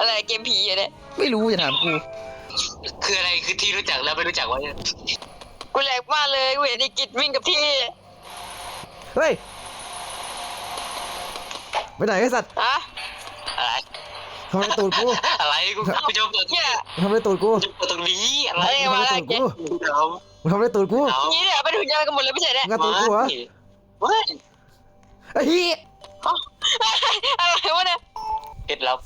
อะไรเกมผีอะเนี่ยไม่รู้อย่าถามกูคืออะไรคือที่รู้จักแล้วไม่รู้จักวะเนี่ยกูแหลกมากเลยกูเห็นไอ้กิจวิ่งกับที่เฮ้ยไปไหนไอ้สัตว์ฮะอะไรทำไมตูดกูอะไรกูจะเปิดเนี่ยทำไมตูดกูจะเปิดตรงนี้อะไรทำไมตูดกูเดี๋ยวทำไมตูดกูนี่เนี่ยเป็นหุ่นยนต์กันหมดเลยไม่ใช่เนี่ยงัดตูดกูเหรอเฮ้ยไอ้เหี้ยอะไรวะเนี่ยเคล็ดลับ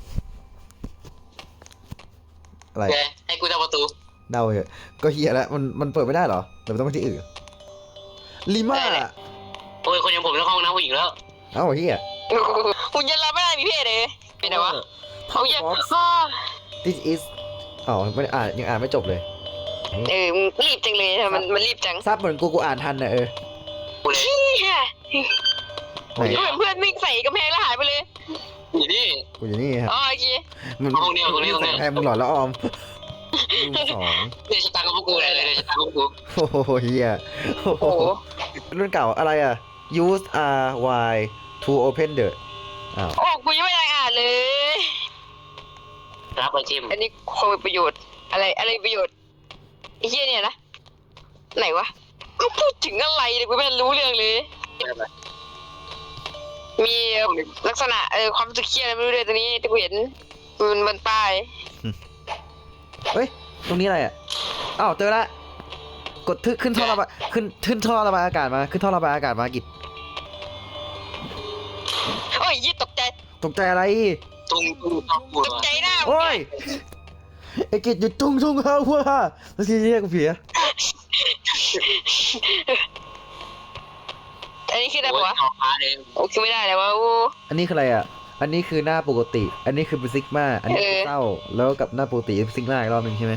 อะไรไงให้กูทำประตูเดาเหอะก็เฮียแล้วมันเปิดไม่ได้เหรอเดี๋ยวมันต้องไปที่อื่นลิม่าโอ้ยคนอย่างผมต้องห้องน้ำผู้หญิงแล้วเอ้าเฮียหุ่นยนต์เราไม่ได้มีเพศเลยเป็นไงวะเขาเยอะ this is อ๋อไม่อ่านยังอ่านไม่จบเลยมึงรีบจังเลยมันรีบจังทราบเหมือนกูอ่านทันนะกูเลยเนี่ยไหนเหมือนเพื่อนวิ่งใส่กำแพงแล้วหายไปเลยอยู่นี่กูอยู่นี่ครับอ๋อโอเคมันห้องเดียวตรงนี้ตรงนี้แพงมึงหลอดแล้วออมมึงสองเดี๋ยวชะตากับพวกกูเลยเดี๋ยวชะตากับพวกกูโอ้โหเฮียโอ้โหรุ่นเก่าอะไรอ่ะ use r y to open the อ้าวโอ้กูยังไม่ได้อ่านเลยรับไปจิ้มอันนี้คงมีประโยชน์อะไรประโยชน์ไอ้เหี้ยเนี่ยนะไหนวะก็พูดถึงอะไรเนี่ยกูไม่รู้เรื่องเลย มีลักษณะความรู้สึกเครียดอะไรไม่รู้เลยตรงนี้ที่กูเห็นมันบนป้ายเฮ้ยตรงนี้อะไรอ่ะอ้าวเจอละกดขึ้นท่อระบายขึ้นท่อระบายอากาศมาขึ้นท่อระบายอากาศมากิจโอ้ยยี่ตกใจตกใจอะไรตุ้งต้องกูตกใจหน้าโอ้ยไอ้กิจหยุดทุ่งเฮาว่ะแล้วทีเรียกกูเผียอันนี้คืออะไรปะวะออกมาเลยโอ้คือไม่ได้แล้ววะโอ้อันนี้คืออะไรอ่ะอันนี้คือหน้าปกติ อันนี้คือเป็นซิกมาอันนี้คือเศร้าแล้วกับหน้าปกติเป็นซิกมาอีกรอบหนึ่งใช่ไหม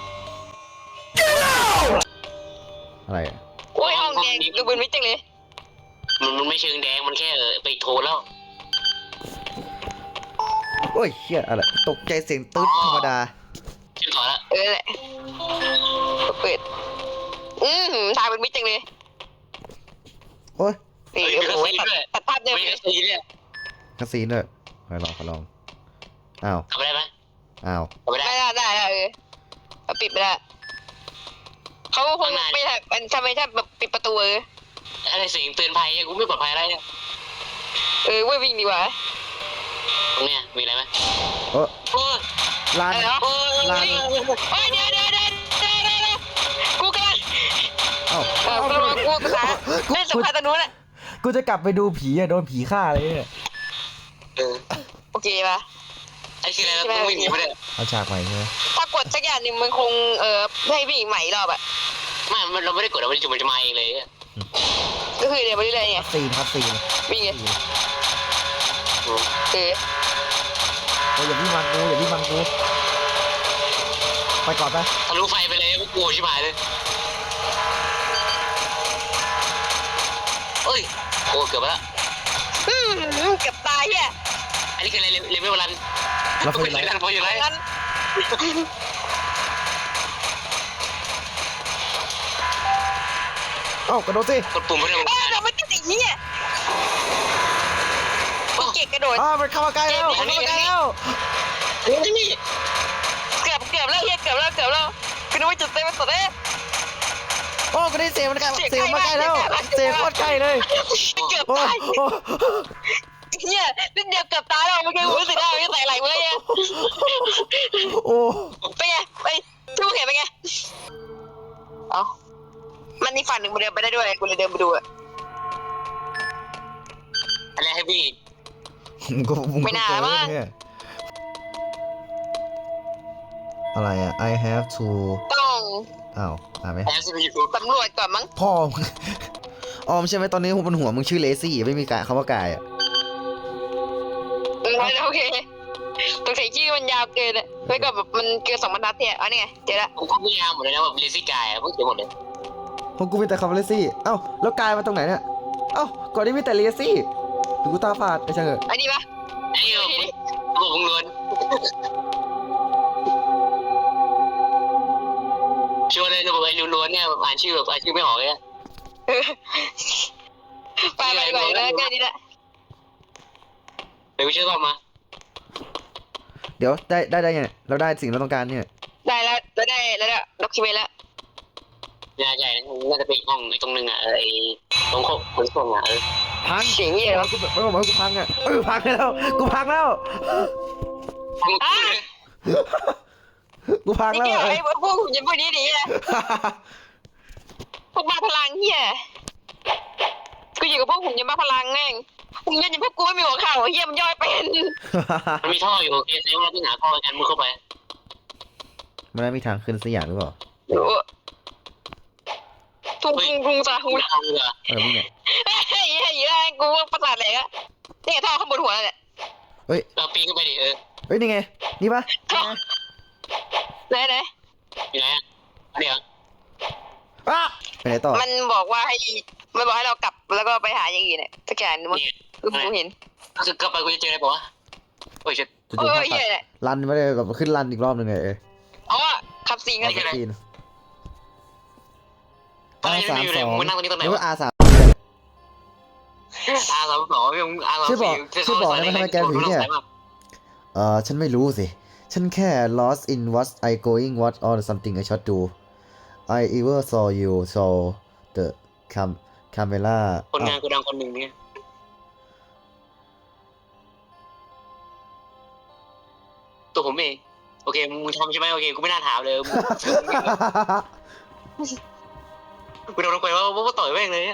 อะไรอ่ะโอ้ยห้องแดงดูเป็นมิตรจังเลยมันไม่เชิงแดงมันแค่ไปโทรแล้วโอ้ยเฮียอะไรตกใจเสียงตึ๊ดธรรมดาชื่อก่อนละแหละเปิดทางเป็นมิตรจังเลยโอ้ยนี่โอ้ยตัดภาพเดิมไม่เลได้ยซีเนี่ยคาซีนด้วยขอลองอ้าวทำได้ไหมอ้าวทำไม่ได้ได้เอาปิดไปได้เขาคงไม่ทำทำไมถ้าแบบปิดประตูอะไรเสียงเตือนภัยกูไม่ปลอดภัยอะไรเนี่ยเว้ยวิ่งดีกว่าตรงเนี้ยมีอะไรไหมโอ้โอ้ยลานอะไรวะโอ้ยโอ้ยเดี๋ยวกูกำลังเอ้ากูกำลังเล่นสงครามตรงนู้นแหละกูจะกลับไปดูผีอะโดนผีฆ่าเลยเนี่ยโอเคป่ะไอ้คืออะไรต้องวิ่งหนีไม่ได้เอาฉากใหม่ใช่ไหมถ้ากดสักอย่างหนึ่งมันคงให้วิ่งใหม่รอบอ่ะไม่เราไม่ได้กดเราไม่ได้จุ่มมันจะมาเองเลยก็คือเดี๋ยวไปเรื่อยๆไงคัสซีนวิ่งไงโอ้ยอย่าวิ่งมันกูไปก่อนไปทะลุไฟไปเลยกูกลัวชิบหายเลยเอ้ยโอ้เกือบไปแล้วเกือบตายแย่อันนี้คืออะไรเลเวลรันเราเป็นไรรันพออยู่ไรงั้นเอ้ากระโดดสิกดปุ่มเพื่อเราไม่ติดไอ้เหี้ยกูเก่งกระโดดมันเข้ามาใกล้แล้วนี่เกือบแล้วเฮียเกือบแล้วกูนึกว่าจุดเต็มสุดเลยโอ้ก็ได้เสียงมันใกล้แล้วเสียงโคตรใกล้เลยเกือบโอ้ตายเฮียนิดเดียวเกือบตายแล้วเมื่อกี้รู้สึกได้ไม่ใส่ไหลเลยเนี่ยโอ้เป็นไงไปทุกเห็นเป็นไงเอ้ามันนี่ฝั่งหนึ่งมันเดินไปได้ด้วยกูเลยเดินไปดูอะอะไรให้พี่ไม่น่ามั้งอะไรอ่ะ I have to ต้องอ้าวไหมแอบซิไปอยู่สำรวจก่อนมั้งพ่อออมใช่ไหมตอนนี้บนหัวมึงชื่อเลซี่ไม่มีคำว่ากายอ่ะโอเคตัวใส่ชื่อมันยาวเกินอะแล้วก็แบบมันเกิน2 บรรทัดเนี่ยนี่ไงเจอละผมก็พยายามหมดเลยนะแบบเลซี่กายเพิ่งเจอหมดเลยของกูมีแต่คำว่าเลซี่เอ้าแล้วกายมาตรงไหนเนี่ยเอ้าก่อนนี้มีแต่เลซี่ดูกูตาฝาดไอ้เจ้าเหอะอันนี้ปะไอ้ผมล้วนชวนเลยระบบไอ้ล้วนเนี่ยอ่านชื่อแบบอ่านชื่อไม่ออกเลยไปแล้วแค่นี้แหละเดี๋ยวกูเชื่อก่อนมาเดี๋ยวได้ไงเราได้สิ่งเราต้องการเนี่ยได้แล้วได้ด็อกิเมนต์แล้วใหญ่น่าจะเป็นอีกห้องไอ้ตรงนึงอ่ะไอ้ตรงขนส่งอ่ะพังเสียงเหี้ยอะไรวะไม่บอกว่ากูพังอ่ะพังแล้วกูพังแล้วอ่ะกูพังนี่แล้วเกี่ยวไอ้พวกหุ่นยนต์พวกนี้ดีนะพวกบ้าพลังเหี้ยกูอยู่กับพวกหุ่นยนต์บ้าพลังแม่งหุ่นยนต์อย่างพวกกูไม่มีหัวเข่าเหี้ยมันย่อยเป็นมันมีท่ออยู่โอเคแสดงว่าต้องหาท่อกันมุดเข้าไปมันไม่มีทางขึ้นสักอย่างหรือเปล่ารู้ทุ่งซาฮูเอาเลยเหรอมึงเนี่ยเฮ้ยเยอะกูว่าประสาทแหลกอะนี่ไงท่อข้างบนหัวเนี่ยเราปีนขึ้นไปดิเฮ้ยนี่ไงนี่ปะท่อไหนอยู่ไหนอ่ะเดี๋ยวอ่ะไปไหนต่อมันบอกว่ามันบอกให้เรากลับแล้วก็ไปหาอย่างอื่นเนี่ยสักอย่างนึงมั้งกูเห็นก็คือกลับไปกูจะเจออะไรบอกว่าโอ้ยชิจู่โอ้ๆยเหี้ยเนี่ยรันไม่ได้แบบขึ้นรันอีกรอบหนึ่งไงอ๋อขับสิงกันจีนตอนนี้มันอยู่ไหนมึงนั่งตรงนี้ตรงไหนหรือวะว่า R3 R32มึง R34 ชื่อบอกได้ไหมทำไมแกถึงเนี่ยฉันไม่รู้สิ ฉันแค่ lost in what I going what or something I should do I ever saw you saw the camera คนงานกูดังคนหนึ่งเนี่ยตัวผมเองโอเคมึงทำใช่ไหมโอเคกูไม่น่าถามเลยกูโดนลงไปว่าต่อยแม่งเลย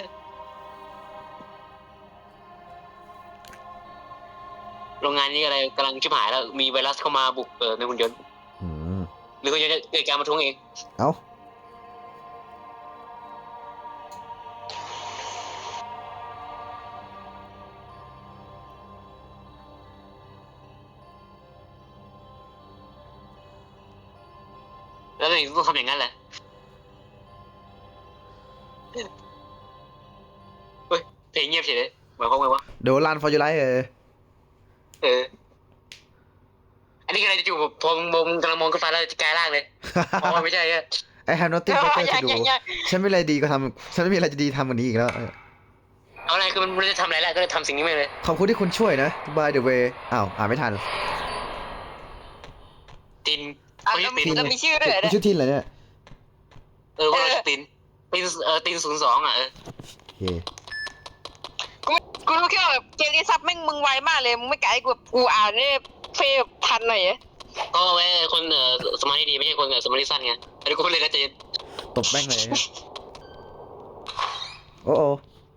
โรงงานนี้อะไรกำลังชิบหายแล้วมีไวรัสเข้ามาบุกในหุ่นยนต์หรือก็จะเกิดการประท้วงเองเอ้าแล้วถึงต้องทำอย่างนั้นแหละเฮ้ยเพลงเงียบเฉยเลยหมายความว่าเดี๋ยวรัน for your life อันนี้อะไรจะจู่พอมึงกำลังมองขึ้นฟ้าแล้วจะกลายร่างเลยเพราะว่าไม่ใช่อะ I have nothing better to do ฉันไม่มีอะไรดีก็ทำฉันไม่มีอะไรจะดีทำกว่านี้อีกแล้วเอาอะไรคือมันไม่ได้ทำอะไรแล้วก็เลยทำสิ่งนี้ไปเลยขอบคุณที่คุณช่วยนะ by the way อ้าวอ่านไม่ทันตินอ่ะคนแล้ที่วตินมีชื่อด้วยเหรอคุณชื่อทินเหรอเนี่ยว่าเราตินติน02อ่ะโอเคกูรู้แค่ว่าแบบเกมนี้ซับแม่งมึงไวมากเลยมึงไม่ไกลกูแบบกูอ่านเนี่ยเฟยทันหน่อยก็ไว้คนสมาธิดีไม่ใช่คนสมาธิสั้นไงอันนี้กูเลยนะเจนตบแม่งเลยเนี่ยโอ้โอ้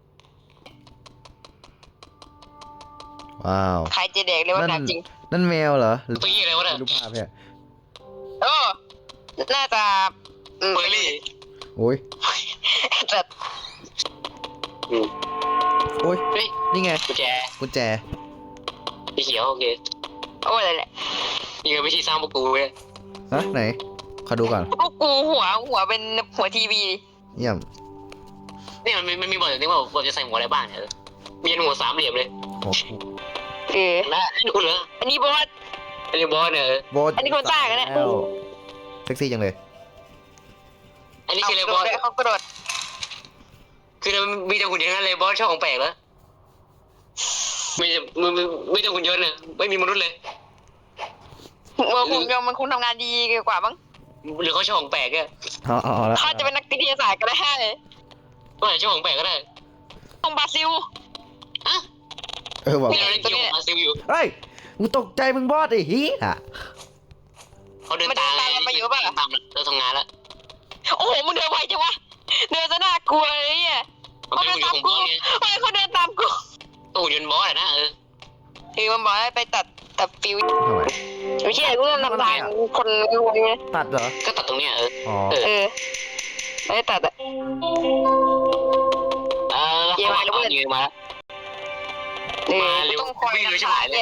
ว้าวใครจะเด็กเลยว่าหนักจริงนั่นแมวเหรอหรือตัวยี่อะไรวะเนี่ยรูปภาพเนี่ยโอ้น่าจะเบอร์รี่โอ้ยแต่โอ้ยเฮ้ยนี่ไงกุญแจกุญแจสีเขียวโอเคโอ้อะไรแหละนี่คือวิธีสร้างพวกกูเว้ยฮะไหน ขอดูก่อนพวกกูหัวเป็นหัวทีวีเยี่ยมนี่มันมีบทอย่างนี้ว่าเราจะใส่หัวอะไรบ้างเนี่ยมีหัวสามเหลี่ยมเลยโอ้และดูเหรออันนี้บอสอันนี้บอสเนี่ยโบสอันนี้คนสร้างอะเนี่ยแล้วเซ็กซี่จังเลยอันนี้คืออะไรบอสเขากระโดดคือมีแต่หุ่นยนต์นั่นเลยบอสชอบของแปลกแล้วไม่แต่หุ่นยนต์เนี่ยไม่มีมนุษย์เลยผมยอมมันคงทำงานดีกว่าบ้างหรือเขาชอบของแปลกเนี่ยอ๋อแล้วเขาจะเป็นนักวิทยาศาสตร์ก็ได้ก็อาจจะชอบของแปลกก็ได้ต้องบราซิลอะบอกนี่เราเล่นเกมอาซิลอยู่เฮ้ยกูตกใจมึงบอสไอ้เหี้ยเขาเดินตามตามเราทำงานแล้วโอ้โหมึงเดินไวจังวะเดินซะน่ากลัวเลยเนี่ยมันเขาเป็นเดินหุ่นยตาน มต์ของบกูอสไงเฮ้ยเขาเดินตามกูก็หุ่นยนต์บอสอะนะคือมันบอกให้ไปตัดฟิวทำไมไม่ใช่กูต้องนำทางคนรวยไงตัดเหรอก็ตัดตรงเนี้ยอ๋อไม่ได้ตัดอะแล้วเขาเอายืนมาแล้วต้องคอยนำทางเนี่ย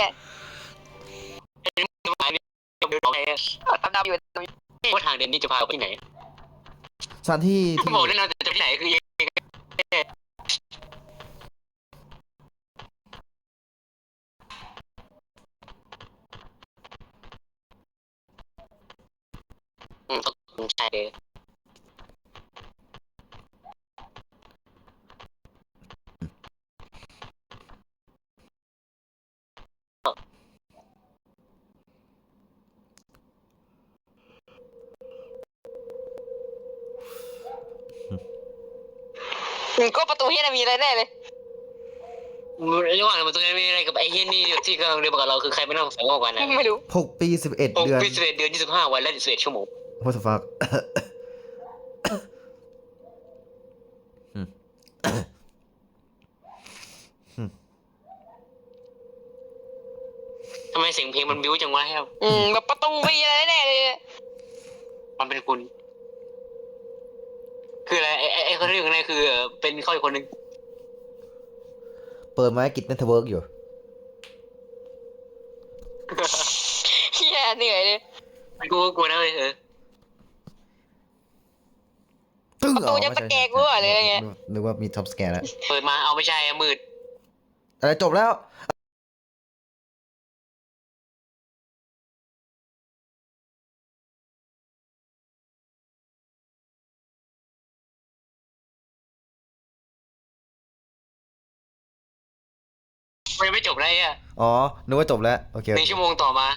มาเนี่ยดูดอกไอ้ดำอยู่ว่าทางเดินนี่จะพาไปไหนสถานที่ที่บอกแน่นอนจะไปไหนคือต้องใช่ก็ประตูเฮียน่ะมีอะไรแน่เลยระหว่างมันตรงนี้มีอะไรกับไอ้เฮียนี่ที่กำลังเรียนกับเราคือใครไม่น่าสงสัยมากกว่านะไม่รู้ 6 ปี 11 6 เดือนปี11 เดือน 25 วันและ11 ชั่วโมง What the fuck ทำไมเสียงเพลงมันบิ้วจังวะครับแบบประตูมีอะไรแน่เลยมันเป็นคุณ คืออะไรไอ้คนที่อยู่ข้างในคือเป็นเขาอีกคนนึงเปิดไม้กิจเน็ตเวิร์กอยู่เฮียเหนื่อยเลยกูก็กลัวนะเว้ยตึ้งประตูจะตะแกรงกูอะไรเงี้ยนึกว่ามีท็อปสแกนแล้วเปิดมาเอาไม่ใช่มืดอะไรจบแล้วมันยังไม่จบเลยอ่ะอ๋อ นึกว่าจบแล้ว โอเค 1 ชั่วโมงต่อมา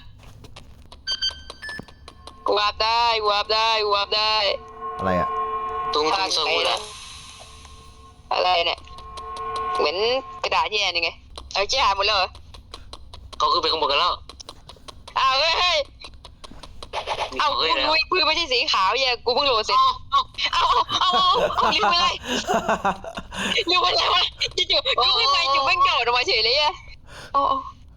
กูอัพได้กูอัพได้กูอัพได้อะไรอ่ะตุ้งโซกุระอะไรเนี่ยเหมือนกระดาษแย่นี่ไงเอาแย่หายหมดแล้วเหรอเขาคือไปขโมยกันแล้วอ้าวเฮ้ยมีเอาของกูเฮ้ยแล้วรู้ปืนไม่ใช่สีขาวแย่กูเพิ่งโหลดเสร็จเอ้าเอาลืมไปเลยลืมไปเลยวะจู่ๆกูขึ้นไปจู่แม่งโดดออกมาเฉยเลยอะโอ้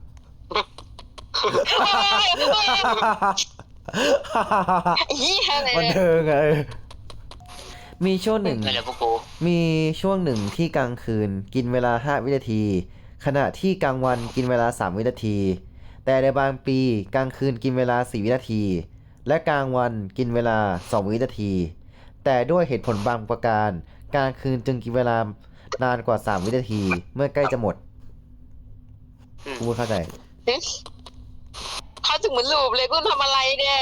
เฮียอะไรมันเนี่ยเทิงไงมีช่วงหนึ่งนั่นแหละพวกกูมีช่วงหนึ่งที่กลางคืนกินเวลา 5 วินาที ขณะที่กลางวันกินเวลา 3 วินาที แต่ในบางปีกลางคืนกินเวลา 4 วินาที และกลางวันกินเวลา 2 วินาที แต่ด้วยเหตุผลบางประการกลางคืนจึงกินเวลานานกว่า 3 วินาที เมื่อใกล้จะหมดกูไม่เข้าใจเขาถึงเหมือนลูบเลยกูทำอะไรเนี่ย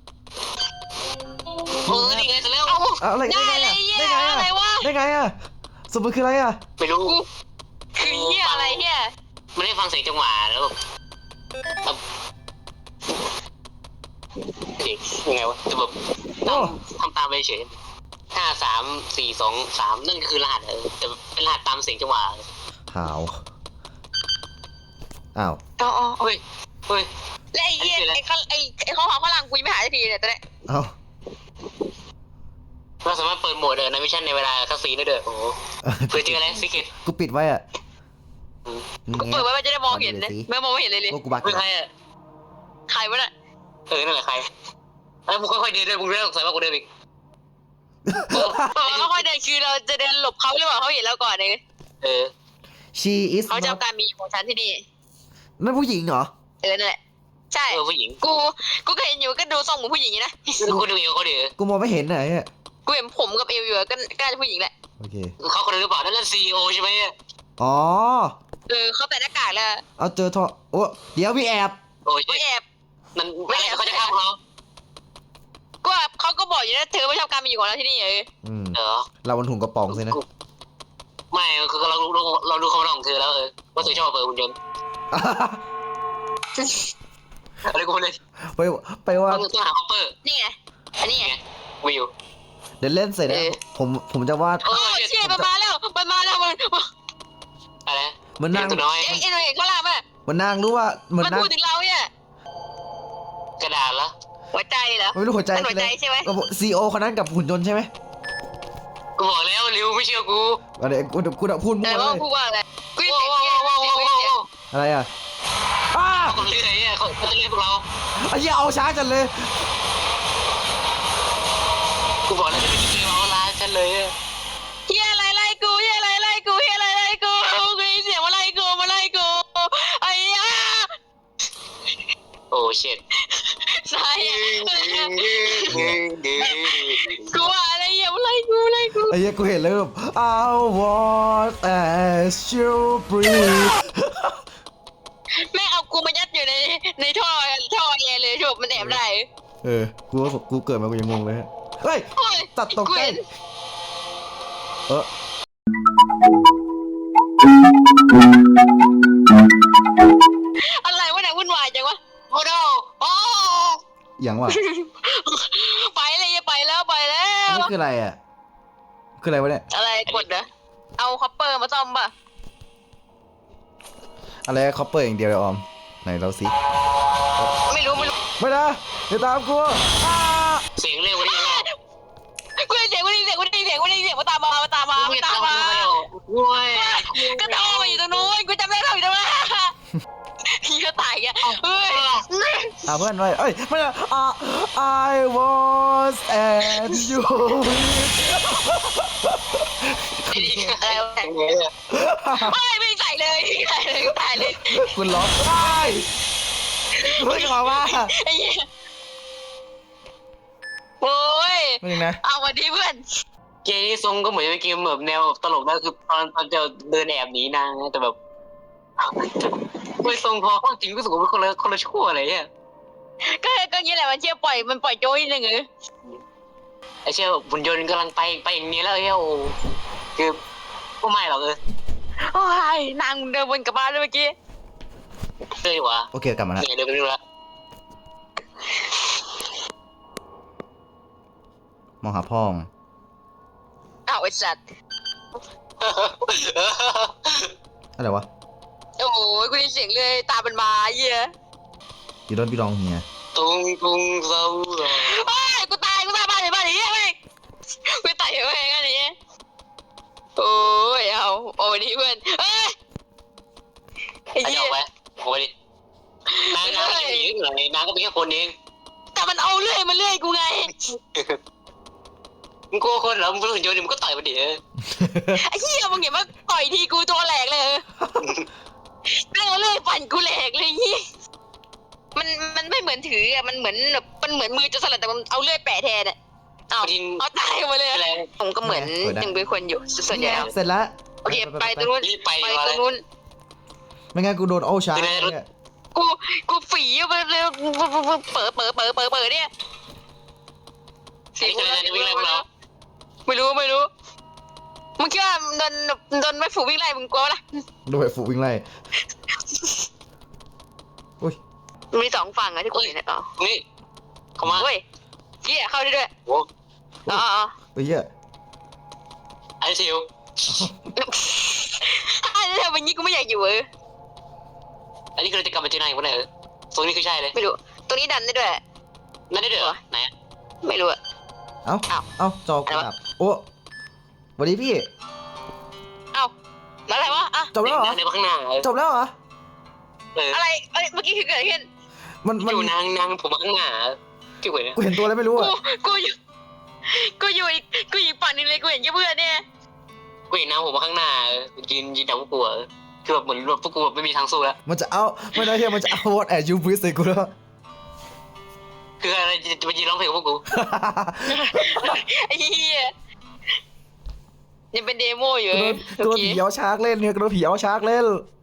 นี่ไงเสร็จแล้วเอาเอาอะไรได้เลยเฮียอะไรวะได้ไงอ่ะสมมติคืออะไรอ่ะไม่รู้คือเฮียอะไรเฮียมันได้ฟังเสียงจังหวะแล้วแบบเด็กยังไงวะจะแบบโอ้ทำตามไปเฉย5 3 4 2 3นั่นคือรหัสแต่เป็นรหัสตามเสียงจังหวะหาวอ้าวอ๋อเฮ้ยและไอ้เฮียไอ้ข้อความข้างหลังกูยังไม่หายสักทีเนี่ยตอนนี้เอ้าเราสามารถเปิดโหมดในมิชชั่นในเวลาคัสซีนได้ด้วยโอ้โหเพื่อเจออะไรซิกเก็ตกูปิดไว้อ่ะกูเปิดไว้มันจะได้มองเห็นนะไม่มองไม่เห็นเลยเลยว่ากูบักคือใครอ่ะใครวะน่ะนั่นแหละใครมึงค่อยๆเดินด้วยมึงเริ่มสงสัยว่ากูเดินอีกเราค่อยเดินคือเราจะเดินหลบเขาหรือเปล่าเขาเห็นเราก่อนเลย she is เขาจะ not เอาการมีของฉันที่นี่นั่นผู้หญิงเหรอนั่นแหละใช่ผู้หญิงกูก็เห็นอยู่ก็ดูทรงเหมือนผู้หญิงนะกูดูอยู่เขาดิกูมองไม่เห็นไหนอ่ะกูเห็นผมกับเอวอยู่ก็น่าจะผู้หญิงแหละโอเคเขาคนนึงหรือเปล่านั่นซีอีโอใช่ไหมอ๋อเขาใส่หน้ากากแล้วเอาเจอท่อโอ้เดี๋ยวพี่แอบโอ้ยไม่แอบมันไม่เขาจะฆ่าเขาก็เขาก็บอกอยู่นะเธอไม่ชอบการมีอยู่ของเราที่นี่อืมเหรอเราบนถุงกระป๋องสินะไม่คือเราดูคำร้องของเธอแล้วว่าเธอชอบเปิดหุ่นยนต์อะไรกูเลยไปว่าต้องหาคอปเปอร์นี่ไงอันนี้ไงวิวเดี๋ยวเล่นเสร็จนะผมจะวาดโอ้เชี่ยมันมาแล้วมันอะไรมันนั่งตัวน้อยเอ็งเห็นข้างล่างป่ะมันนั่งรู้ว่ามันมันนั่งพูดถึงเราเนี่ยกระดาษละหัวใจเหรอไม่รู้หัวใจมันหัวใจใช่ไหมก็ซีโอคนนั้นกับหุ่นยนต์ใช่ไหมกูบอกแล้วริวไม่เชื่อกูอะไรกูพูดมั่แต่วเลว่าย พูดว่าอะไรกูยังว้าเสียงวเงี้ยว้าวว้าวว้าวอะไรอ่ะอ้าคนเรื่อยเขาจะเรียกพวกเราไอ้เหี้ยเอาช้าจังเลยกูบอกแล้วจะเป็นเกมเอาล้าฉันเลยเฮียอะไรไล่กูเฮียอะไรไล่กูเฮียอะไรไล่กูกูได้ยินเสียงมาไล่กูไอ้ยาโอ้เช็ดสายกูว่าอะไรเฮียมาไล่กูไอ้เหี้ยกูเห็นเลยแบบ I want as you breathe แม่เอากูมายัดอยู่ในท่อแอร์เลยจบมันแอบได้กูเกิดมากูยังงงเลยฮะเฮ้ยโอ้ยตัดตกกูใจเห็น อะไรวะเนี่ยวุ่นวายจังวะโอ้โหโอ้อย่างวะไปเลยไปแล้วนี่คืออะไรอ่ะ คืออะไรวะเนี่ยอะไรกดนะเอาคอปเปอร์มาซ่อมป่ะอะไรคอปเปอร์อย่างเดียวเลยออมไหนเราสิไม่รู้ไม่นะอย่าตามกูอ้าเสียงเร็วกว่านี้กูได้ยินเสียงมาตามมาโว้ยก็โตมาอยู่ตรงนู้นกูจำได้เราอยู่ตรงนั้นพี่ก็ตายแกเฮ้ยเพื่อนไว้เอ้ยไม่นะI was and you ไม่ใส่เลยตายเลยคุณร้องได้คุณเพิ่งบอกว่าไอ้เหี้ยโอ้ยไม่จริงนะเอาวันดีเพื่อนเกมนี้ทรงก็เหมือนเป็นเกมแบบแนวตลกนะคือตอนจะเดินแอบหนีนางนะแต่แบบไม่ทรงพอเข้าจริงก็รู้สึกว่าเป็นคนละชั่วอะไรเนี่ยก็งี้แหละมันเชี่ยปล่อยโจ้ยนึงเหรอไอ้เชี่ยหุ่นยนต์กำลังไปอย่างนี้แล้วเฮ้ยโอ้คือก็ไม่หรอกโอ้ยนางเดินวนกลับบ้านเลยเมื่อกี้เลยวะโอเคกลับมาแล้วเหนื่อยเลยไปดูละมองหาพ่องอ้าวไอ้สัตว์อะไรวะโอ้ยกูได้ยินเสียงเลยตาเป็นมาเหี้ย You don't belong here ตุงเศร้าเฮ้ยกูตายบ้านไหนเหี้ยไม่กูตายยังไงกันเนี่ยโอ้ยเอาโอ้ยดีเพื่อนเอ้ยไอ้ไอ้เหี้เจ้าย ไปโอ้ยนางก็เป็นหญิงเหรอนางก็เป็นแค่คนเองแต่มันเอาเลื่อยมาเลื่อยกูไงมึงกลัวคนเหรอมึงเป็นหุ่นยนต์มึงก็ต่อยมันดิไอ้เหี้ยมึงเห็นว่าต่อยทีกูตัวแหลกเลยเรื่องเลื่อยปั่นกูแหลกเลยเหี้ยมันไม่เหมือนถืออะมันเหมือนแบบมันเหมือนมือจะสลัดแต่มันเอาเลื่อยแปะแทนอะเอาตายมาเลยอะไรผมก็เหมือนยังเป็นคนอยู่ส่วนใหญ่แล้วเสร็จแล้วโอเคไปตรงนู้นรีบไปไปมาตเลรงยนู้นไม่งั้นกูโดนโอชาร์เนี่ยกูฝีไปเลยเปิดเนี่ยไอ้คนนั้นจะวิ่งไล่พวกเราไม่รู้มึงคิดว่าโดนไม่ฝูวิ่งไล่มึงกลัวล่ะโดนไอ้ฝูวิ่งไล่อุ้ยมีสองฝั่งอะที่กูเห็นอ๋อนี่เข้ามาเฮ้ยเกี้ยเข้าได้ด้วยโอ้อ๋อเฮ้ยเหี้ยไอ้ทิวถ้าจะทำแบบนี้กูไม่อยากอยู่อันนี้คือจะกลับมาเจอนายวันไหนตรงนี้คือใช่เลยไม่รู้ตัวนี้ดันได้ด้วยนั่นได้เด้อไหนไม่รู้อะเอ้าจอกูดับโอ้สวัสดีพี่เอ้าอะไรวะอะจบแล้วเหรอในข้างหน้าจบแล้วเหรออะไรเมื่อกี้คือเกิดอะไรขึ้นมันอยู่นางผมมาข้างหน้าที่หัวเนี่ยกูเห็นตัวอะไรไม่รู้อะกูอยู่อีกฝั่งนึงเลยกูเห็นแค่เพื่อนเนี่ยกูเห็นนางผมมาข้างหน้ายืนดักพวกกูคือแบบเหมือนพวกกูแบบไม่มีทางสู้แล้วมันจะเอาไม่ได้เฮียมันจะเอาวอตแอดยูบิสใส่กูแล้วคืออะไรจะมายืนร้องเพลงกับพวกกูไอ้เหี้ยยังเป็นเดโมอยู่กูโดนผีเอาชาร์กเล่นเนี่ยกูโดนผีเอาชาร์กเล่น